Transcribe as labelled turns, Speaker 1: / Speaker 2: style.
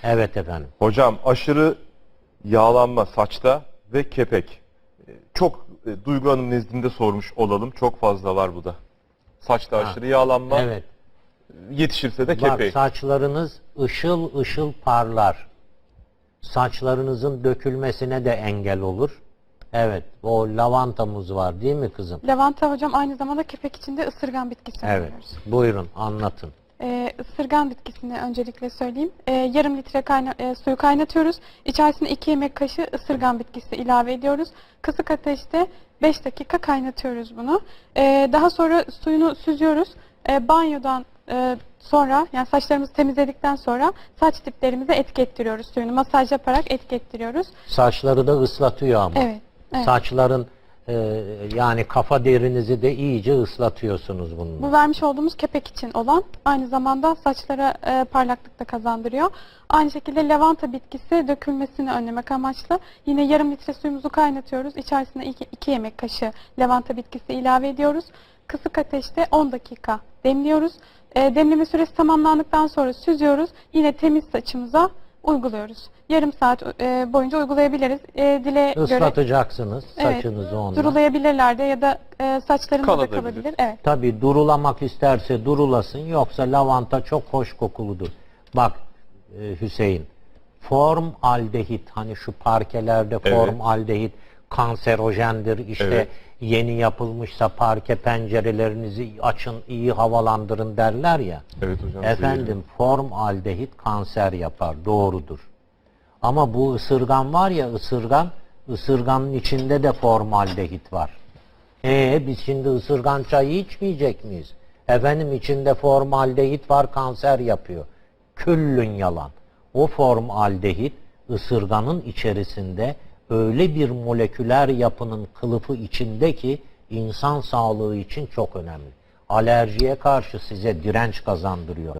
Speaker 1: Evet efendim.
Speaker 2: Hocam aşırı yağlanma saçta ve kepek. Çok Duygu Hanım nezdinde sormuş olalım. Çok fazla var bu da. Saçta aşırı yağlanma.
Speaker 1: Evet.
Speaker 2: Yetişirse de
Speaker 1: Bak,
Speaker 2: kepek.
Speaker 1: saçlarınız ışıl ışıl parlar. Saçlarınızın dökülmesine de engel olur. Evet. O lavantamız var değil mi kızım?
Speaker 3: Lavanta hocam aynı zamanda kepek içinde ısırgan bitkisi
Speaker 1: Evet.
Speaker 3: öneriyoruz.
Speaker 1: Buyurun anlatın.
Speaker 3: Isırgan bitkisini öncelikle söyleyeyim. Yarım litre suyu kaynatıyoruz. İçerisine 2 yemek kaşığı ısırgan bitkisi ilave ediyoruz. Kısık ateşte 5 dakika kaynatıyoruz bunu. Daha sonra suyunu süzüyoruz. Banyodan sonra, yani saçlarımızı temizledikten sonra saç diplerimize etki ettiriyoruz suyunu. Masaj yaparak etki ettiriyoruz.
Speaker 1: Saçları da ıslatıyor ama.
Speaker 3: Evet. Evet.
Speaker 1: Saçların yani kafa derinizi de iyice ıslatıyorsunuz bununla.
Speaker 3: Bu vermiş olduğumuz kepek için olan, aynı zamanda saçlara parlaklık da kazandırıyor. Aynı şekilde lavanta bitkisi dökülmesini önlemek amaçlı yine yarım litre suyumuzu kaynatıyoruz. İçerisine 2 yemek kaşığı lavanta bitkisi ilave ediyoruz. Kısık ateşte 10 dakika demliyoruz. Demleme süresi tamamlandıktan sonra süzüyoruz. Yine temiz saçımıza uyguluyoruz. Yarım saat boyunca uygulayabiliriz. Dile göre
Speaker 1: Islatacaksınız saçınızı onunla.
Speaker 3: durulayabilirler de ya da saçlarında da
Speaker 2: Kalabilir.
Speaker 3: kalabilir. Evet.
Speaker 1: Tabii durulamak isterse durulasın, yoksa lavanta çok hoş kokuludur. Bak Hüseyin, formaldehit, hani şu parkelerde
Speaker 2: Evet.
Speaker 1: formaldehit kanserojendir. İşte
Speaker 2: Evet.
Speaker 1: yeni yapılmışsa parke pencerelerinizi açın, iyi havalandırın derler ya.
Speaker 2: Evet hocam.
Speaker 1: Efendim, formaldehit kanser yapar, doğrudur. Ama bu ısırgan var ya, ısırganın içinde de formaldehit var. Biz şimdi ısırgan çayı içmeyecek miyiz? Efendim, içinde formaldehit var, kanser yapıyor. Küllün yalan. O formaldehit ısırganın içerisinde öyle bir moleküler yapının kılıfı içinde ki insan sağlığı için çok önemli. Alerjiye karşı size direnç kazandırıyor.